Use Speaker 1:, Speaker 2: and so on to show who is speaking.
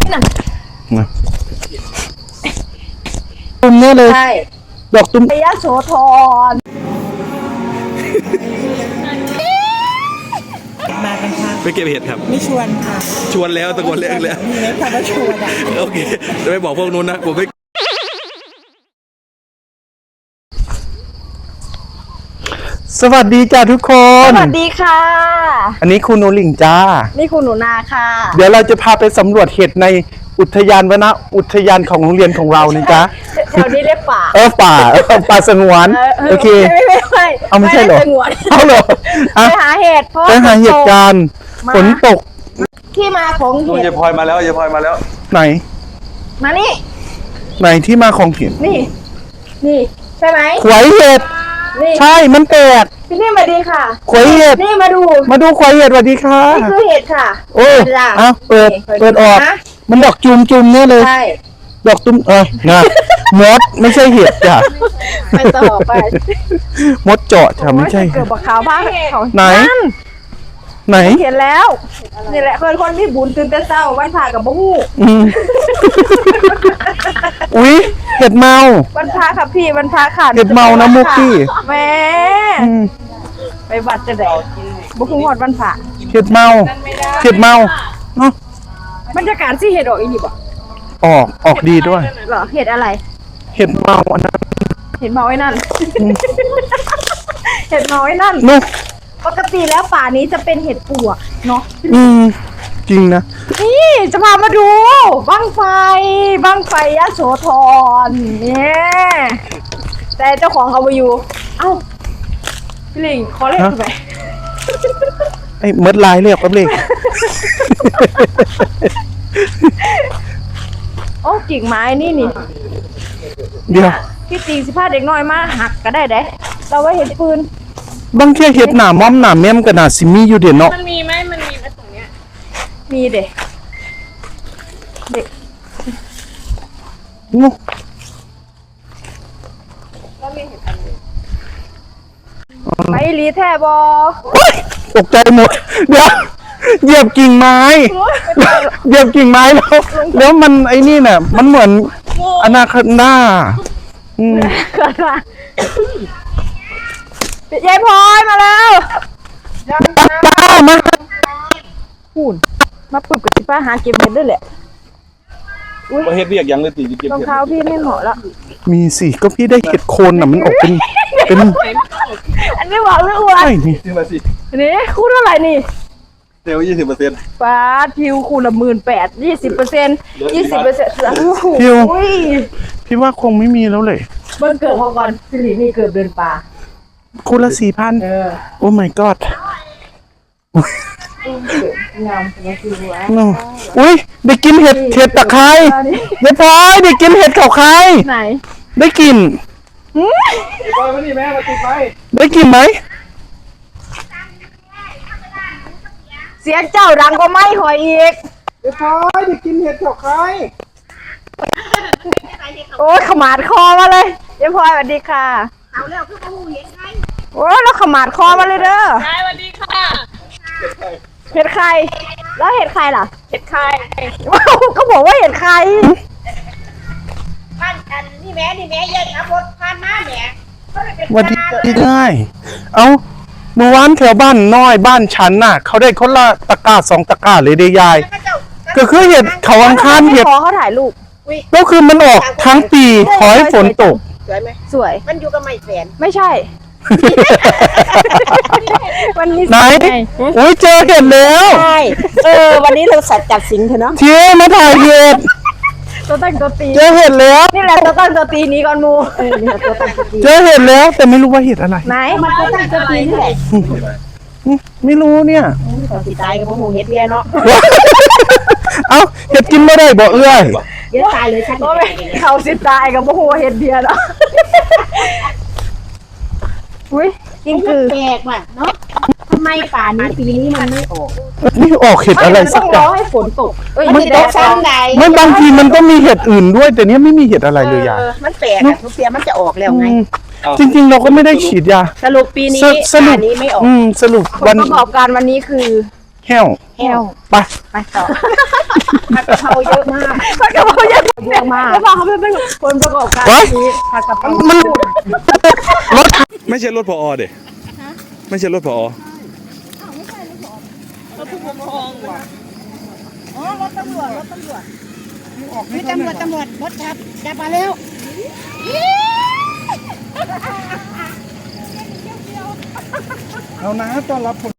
Speaker 1: นั่น
Speaker 2: ตุ้มเนี่ยเลย
Speaker 1: ใช่
Speaker 2: ดอกตุ้ม
Speaker 1: พยาโสธรมากันค่ะ
Speaker 3: ไปเก็บเห็ดครับ
Speaker 1: ไม่ชวนค่ะ
Speaker 3: ชวนแล้วตะโกนเรียกแล้ว
Speaker 1: มีเล็กคำว่าชวนอ่ะ
Speaker 3: โอเคจะไม่บอกพวกนู้นนะผมไม่
Speaker 2: สวัสดีจ้าทุกคน
Speaker 1: สวัสดีค่ะ
Speaker 2: อันนี้คุณโนลิงจ้า
Speaker 1: นี่คุณหนูนาค่ะ
Speaker 2: เดี๋ยวเราจะพาไปสำรวจเห็ดในอุทยานวนะอุทยานของโรงเรียนของเรานี่จ้า
Speaker 1: แถวนี้เรียกป่า
Speaker 2: ป่าสงวนโอเค
Speaker 1: ไม่
Speaker 2: เอาไม่ใช่เหรอเอาเหรอ
Speaker 1: ไปหาเห็ด
Speaker 2: ไปหาเห็ดกันฝนตก
Speaker 1: ที่มาของเห็ด
Speaker 3: ยายพลอยมาแล้วยายพลอยมาแล้ว
Speaker 2: ไหน
Speaker 1: มานี่
Speaker 2: ไหนที่มาของเห็ด
Speaker 1: นี่ใช่ไหม
Speaker 2: ขวายเห็ดใช่มันแตก
Speaker 1: พี่นี่มาดีค่ะ
Speaker 2: ขวายเห็ด
Speaker 1: นี่มาดู
Speaker 2: ขวายเห็ดสวัสดีค่ะ
Speaker 1: นี่คือเห็ดค่ะ
Speaker 2: โอ้เปิดออกมันดอกจุ่มเนี่ยเลย
Speaker 1: ใช่
Speaker 2: ดอกตุ้มนะมดไม่ใช่เห็ดจ้ะ
Speaker 1: ไปต่อไป
Speaker 2: มดเจาะจ้ะไม่ใช่
Speaker 1: เกิดบักขาวบ้าง
Speaker 2: ไหน
Speaker 1: เห็นแล้วนี่แหละคนที่บุญตื่นแต่เช้าวันพระกับบ่ฮู้
Speaker 2: อุ้ยเห็ดเมา
Speaker 1: วันพระค่ะพี่วันพระค่ะ
Speaker 2: เห็ดเมานะมุกพี่
Speaker 1: แม่ไปวัดจะได้บ่ฮู้ฮอดวันพระ
Speaker 2: เห็ดเมาเนาะ
Speaker 1: บรรยากาศที่เห็ดออกอีนี่บ่
Speaker 2: ออกดีด้วย
Speaker 1: เหรอเห็ดอะไร
Speaker 2: เห็ดเมาอันนั้น
Speaker 1: เห็ดเมาไอ้นั่นเห็ดเมาไอ้นั่นปกติแล้วป่านี้จะเป็นเห็ดปวกเนาะ
Speaker 2: จริงนะ
Speaker 1: นี่จะพามาดูบั้งไฟยโสธรเนี่ยแต่เจ้าของเขาไปอยู่เอ้าพี่ลิงขอเลขทำไม
Speaker 2: ไอ้เมิดลายเรียกกับเลข
Speaker 1: โอ้กิ่งไม้นี่
Speaker 2: เดี๋ยว
Speaker 1: พี่ตีสิพาเด็กน้อยมาหักก็ได้เด้เราไว้เห็ดปืน
Speaker 2: บางแค่เห็ดหนาม้อมหนาแม่มกับหนาซิมี่อยู่เด่นเนาะ
Speaker 4: มันมีไหมตรงเนี้ย
Speaker 1: มีเด็ก
Speaker 2: งู
Speaker 1: ไปรีแทบอ
Speaker 2: ตกใจหมดเดี๋ยวเหยียบกิ่งไม้แล้วมันไอ้นี่น่ะมันเหมือนอนาคอนด
Speaker 1: ายายพลอยมาแล้วมาพูดมาปึบกับป้าหาเก็บเห็ดด้วยแหละ
Speaker 3: ว่าเห็ดเรียกยังเลยตีเก็บ
Speaker 1: รองเท้าพี่ไม่เหมาะแล้ว
Speaker 2: มีสิก็พี่ได้เห็ดโคนน่ะมันออกเป็น
Speaker 1: อันนี้บอกเรื่องอ้วน
Speaker 2: นี่
Speaker 3: มาสิ
Speaker 1: นี่คูณเท่าไหร่นี่
Speaker 3: เซล20%
Speaker 1: ป้าทิวคูณละ18,000 20%
Speaker 2: ทิวพี่ว่าคงไม่มีแล้วเลย
Speaker 1: เบิ้ลเกิดพอก่อนสิรินี่เกิดเดือนป่า
Speaker 2: คูณละ 4,000โอ้ my god
Speaker 1: งามจัง
Speaker 2: เลยอุ้ยได้กินเห็ดตะไคร้เดี๋ยวพลอยได้กินเห็ดเขาใคร
Speaker 1: ไหน
Speaker 2: ได้กิน
Speaker 3: พลอยมาดิแม่มาติดไฟ
Speaker 2: ได้กินไหม
Speaker 1: เสียงเจ้าดังก็ไม่หอยอีก
Speaker 2: เดี๋ยวพลอยได้กินเห็ดเขาใคร
Speaker 1: โอ้ยขมาดคอมาเลยเดี๋ยวพลอยสวัสดีค่ะเอาแล้วคือมาหูเห็ดใครโอ้ยแล้วขมาดคอมาเลยเด้อ
Speaker 4: สวัสดีค่ะ
Speaker 1: เห็ดใครแล้วเห็ดใครล่ะ
Speaker 4: เห็ดใคร
Speaker 1: ก็บอกว่าเห็ดใคร
Speaker 4: พันอันนี่แม่เย็นนะบดพันหน้าแม่
Speaker 2: วันที่ได้เอาเมื่อวานแถวบ้านน้อยบ้านฉันน่ะเขาได้คนละตะกร้า2 ตะกร้าเลยได้ยายก็คือเห็ดเขาอังคารเห็ด
Speaker 1: เขาถ่ายรูป
Speaker 2: ก็คือมันออกทั้งปีขอให้ฝนตก
Speaker 4: สวยไหม
Speaker 1: สวย
Speaker 4: มันอยู่กับไม้แฝน
Speaker 1: ไม่ใช่วันนี้
Speaker 2: ไหนโอ้ยเจอเห็ดแล้ว
Speaker 1: ใช่วันนี้เราสัตว์จัดสิงเถอะเนาะ
Speaker 2: เชี่ยมาถ่ายเห็ด
Speaker 1: ตัวตั้งตัวตี
Speaker 2: เจอเห็ดแล้ว
Speaker 1: นี่แหละตัวตั้งตัวตีนี้ก่อนมูนี่ตัวตั้งตัวตี
Speaker 2: เจอเห็ดแล้วแต่ไม่รู้ว่าเห็ดอะไร
Speaker 1: ไหนมันตัวตั้งตัวตีนี่แหละ
Speaker 2: ไม่รู้เนี่ย
Speaker 1: ตัวตีตายกับพวกหมูเห็ดเบี้ยเนาะ
Speaker 2: เอ้าเห็ดกินไม่ได้บ่เอื้อย
Speaker 1: เห็ดตายเลยฉันเขาสิตายกับพวกหมูเห็ดเบี้ยเนาะอุ้ยจริงคือ
Speaker 4: แปลกว่ะเนาะทำไมป่านี้ปีนี้มันไม่ออก
Speaker 2: เห็ดอะไรสักอย่าง
Speaker 1: ต้องรอให้ฝนตก
Speaker 4: มันตกชั้นใด
Speaker 2: ไม่บางทีมันก็มีเห็ดอื่นด้วยแต่เนี้ยไม่มีเห็ดอะไรเลยยา
Speaker 4: มันแปลกอะทุกปีมันจะออกแล้วไง
Speaker 2: จริงๆเราก็ไม่ได้ฉีดยา
Speaker 4: สรุปปีนี้ป่านี้ไม่ออก
Speaker 2: สรุป
Speaker 1: วันประกอบการวันนี้คือ
Speaker 2: แห้ว
Speaker 1: ไป
Speaker 2: ต่อ
Speaker 4: ผัดกะเพราเยอะมาก
Speaker 1: ผัดกะเพราเยอะ
Speaker 4: เยอะมาก
Speaker 1: แล้วพอเขาเป็นคนประกอบการ
Speaker 2: เฮ้ย
Speaker 1: นี้ผัดกะเพรา
Speaker 2: มันรถ
Speaker 3: ไม่ใช่รถพอเด็ไม่ใช่รถพอ
Speaker 4: มีตำรวจรถจับมาแล้ว
Speaker 2: เอานะต้อนรับ